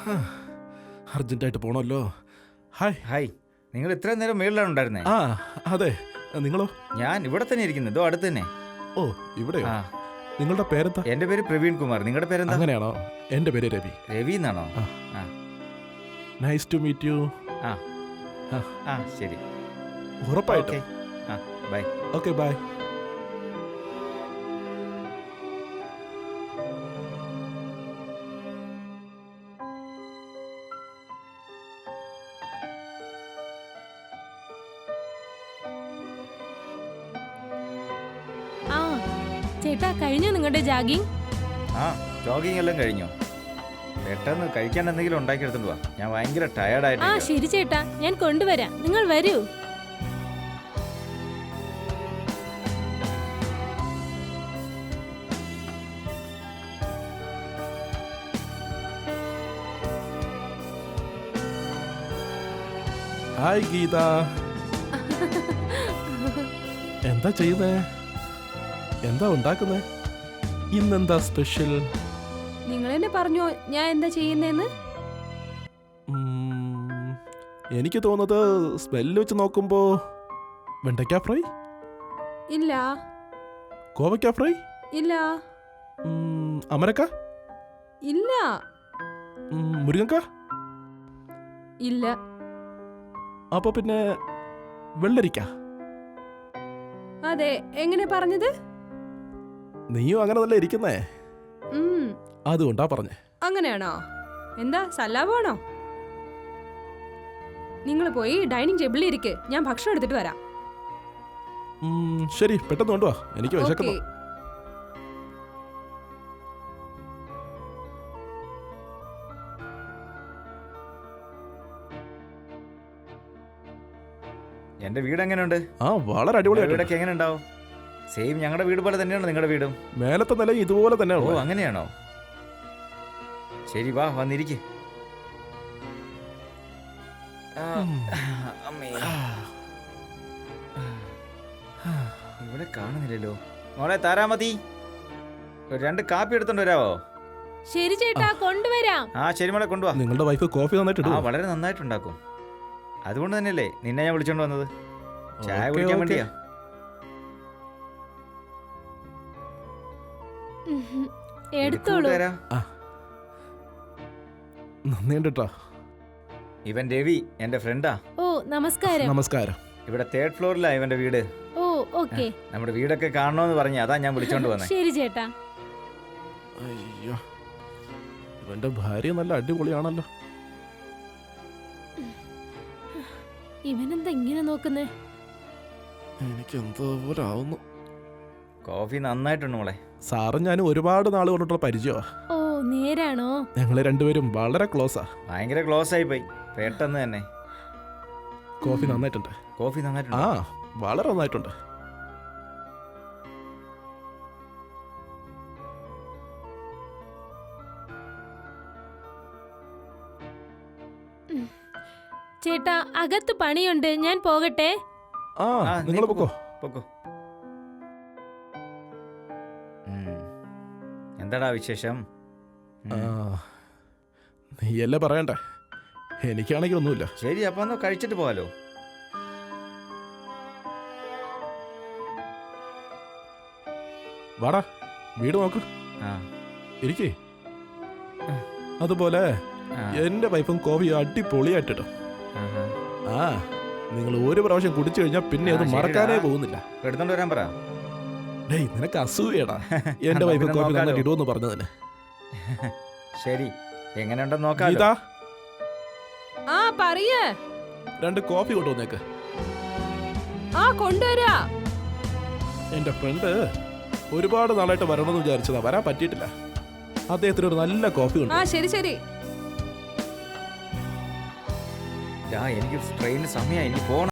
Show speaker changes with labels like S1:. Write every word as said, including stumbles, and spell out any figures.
S1: അർജന്റായിട്ട് പോണല്ലോ. Hi
S2: hi, നിങ്ങൾ ഇത്രയും നേരം മേളിലാണ് ഉണ്ടായിരുന്നേ?
S1: ആ അതെ, നിങ്ങളോ?
S2: ഞാൻ ഇവിടെ തന്നെ ഇരിക്കുന്നു, ഇതോ അടുത്ത് തന്നെ.
S1: ഓ ഇവിടെ.
S2: ആ,
S1: നിങ്ങളുടെ പേരെന്താ?
S2: എന്റെ പേര് പ്രവീൺ കുമാർ. നിങ്ങളുടെ പേരെന്താ?
S1: അങ്ങനെയാണോ? എന്റെ പേര് രവി.
S2: രവി എന്നാണോ? ആ,
S1: നൈസ് ടു മീറ്റ് യു.
S2: ആ ആ ശരി,
S1: ഉറപ്പായിട്ടും.
S2: ആ ബൈ.
S1: Okay bye.
S3: ആ ചേട്ടാ, കഴിഞ്ഞോ നിങ്ങളുടെ ജാഗിങ്?
S2: ആ, ജോഗിങ് എല്ലാം കഴിഞ്ഞോ? പെട്ടെന്ന് കഴിക്കാൻ എന്തെങ്കിലും ഉണ്ടാക്കിയെടുത്തോണ്ട് വാ, ഞാൻ ഭയങ്കര
S3: ആ
S2: ടയർഡായിട്ട്.
S3: ശരി ചേട്ടാ, ഞാൻ കൊണ്ടുവരാം. നിങ്ങൾ വരൂ.
S1: ഹായ് ഗീത. എന്താ ചെയ്യുന്നേ? എന്താ ഉണ്ടാക്കുന്നേ? ഇന്നെന്താ സ്പെഷ്യൽ?
S3: നിങ്ങൾ എന്നെ പറഞ്ഞോ ഞാൻ എന്താ ചെയ്യുന്നേന്ന്?
S1: എനിക്ക് തോന്നുന്നത് സ്മെല്ല് വെച്ച് നോക്കുമ്പോ വെണ്ടയ്ക്ക ഫ്രൈ.
S3: ഇല്ല.
S1: കോവയ്ക്ക ഫ്രൈ.
S3: ഇല്ല.
S1: അമരക്ക.
S3: ഇല്ല.
S1: മുരിങ്ങക്ക.
S3: ഇല്ല.
S1: അപ്പൊ പിന്നെ വെള്ളരിക്ക.
S3: അതെ, എങ്ങനെ പറഞ്ഞത്?
S1: നീയും അങ്ങനെ നല്ല ഇരിക്കുന്നേ, അതുകൊണ്ടാ പറഞ്ഞേ.
S3: അങ്ങനെയാണോ? എന്താ സല്ലാപാണോ? നിങ്ങൾ പോയി ഡൈനിങ് ടേബിളിൽ ഇരിക്ക്, ഞാൻ ഭക്ഷണം എടുത്തിട്ട് വരാം.
S1: ശരി, പെട്ടെന്ന് കൊണ്ടുവാ, എനിക്ക് വിശക്കുന്നു.
S2: എന്റെ വീട് എങ്ങനെയുണ്ട്?
S1: ആ വളരെ അടിപൊളിയായിട്ട്.
S2: വീടൊക്കെ എങ്ങനെ ഉണ്ടാവും? സെയിം ഞങ്ങളുടെ വീട് പോലെ തന്നെയാണോ നിങ്ങളുടെ വീടും?
S1: മേലത്തെ നില ഇതുപോലെ തന്നെ.
S2: ഓ അങ്ങനെയാണോ? ശരി, വാ വന്നിരിക്കെ. ഇവിടെ കാണുന്നില്ലല്ലോ. മോളെ താരാമതി, ഒരു രണ്ട് കാപ്പി എടുത്തോണ്ട് വരാവോ?
S3: ശരി ചേട്ടാ, കൊണ്ടുവരാം.
S2: ആ ശരി മോളെ, കൊണ്ടുവാ.
S1: നിങ്ങളുടെ വൈഫ് കോഫി നന്നായിട്ട്
S2: ആ വളരെ നന്നായിട്ടുണ്ടാക്കും. അതുകൊണ്ട് തന്നെയല്ലേ നിന്നെ ഞാൻ വിളിച്ചോണ്ട് വന്നത്, ചായ കുടിക്കാൻ വേണ്ടിയാ.
S3: എടുത്തോളൂ.
S1: നന്ദിയുണ്ട്.
S2: ഇവൻ രവി, എന്റെ ഫ്രണ്ടാ.
S3: ഓ നമസ്കാരം.
S1: നമസ്കാരം.
S2: ഇവിടെ തേർഡ് ഫ്ലോറിലാ ഇവന്റെ വീട്.
S3: Oh okay.
S2: നമ്മുടെ വീടൊക്കെ കാണണോന്ന് പറഞ്ഞ, അതാ ഞാൻ വിളിച്ചോണ്ട് വന്നേ.
S3: ശരി ചേട്ടാ.
S1: അയ്യോ, ഇവന്റെ ഭാര്യ നല്ല അടിപൊളിയാണല്ലോ.
S3: ഇവനെന്താ ഇങ്ങനെ നോക്കുന്നേ?
S1: എനിക്ക് എന്തോ പോലെ ആവുന്നു.
S2: കോഫി നന്നായിട്ടുണ്ട് മോളെ.
S1: സാറും ഞാനും ഒരുപാട് നാൾ കൊണ്ടിട്ടുള്ള പരിചയമാ.
S3: ഓ നേരാണോ?
S1: ഞങ്ങള് രണ്ടുപേരും വളരെ ക്ലോസാ.
S2: ഭയങ്കര ക്ലോസ് ആയി പോയി പെട്ടെന്ന് തന്നെ.
S1: കോഫി നന്നായിട്ടുണ്ട്.
S2: കോഫി നന്നായിട്ടുണ്ട്.
S1: ആ വളരെ നന്നായിട്ടുണ്ട്.
S3: ചേട്ടാ, അകത്ത് പണിയുണ്ട്, ഞാൻ പോകട്ടെ.
S1: ആ നിങ്ങൾ പൊക്കോ
S2: പൊക്കോ. എന്താടാ വിശേഷം?
S1: നീയല്ലേ പറയണ്ടേ, എനിക്കാണെങ്കിൽ ഒന്നുമില്ല.
S2: ശരി, അപ്പൊ ഒന്ന് കഴിച്ചിട്ട് പോവാലോ.
S1: വാടാ, വീട് നോക്ക്. ഇരിക്കേ. അതുപോലെ എന്റെ വൈഫും കോഫി അടിപൊളിയായിട്ടോ. ആ നിങ്ങൾ ഒരു പ്രാവശ്യം കുടിച്ചു കഴിഞ്ഞാൽ പിന്നെ അത് മറക്കാനേ പോകുന്നില്ല.
S2: എടുത്തോണ്ട് വരാൻ പറ.
S1: ഡേയ്, നിനക്ക് അസൂയടാ എന്റെ വൈഫ് കോഫി നന്നായിട്ട് ഇടുമെന്ന് പറഞ്ഞതിന്.
S2: ശരി, എങ്ങനെയുണ്ടെന്ന് നോക്കാം.
S1: ഇതാ
S3: ആ പറയേ,
S1: രണ്ട് കോഫി കൊണ്ടുവന്നേക്ക്.
S3: ആ കൊണ്ടുവരാ.
S1: എന്റെ ഫ്രണ്ട് ഒരുപാട് നാളായിട്ട് വരണമെന്ന് വിചാരിച്ചതാ, വരാൻ പറ്റിയിട്ടില്ല. അദ്ദേഹത്തിന് ഒരു നല്ല കോഫി ഉണ്ട്.
S3: ആ ശരി ശരി.
S2: എനിക്ക് ട്രെയിനിന് സമയമായി, എനിക്ക് പോകണം.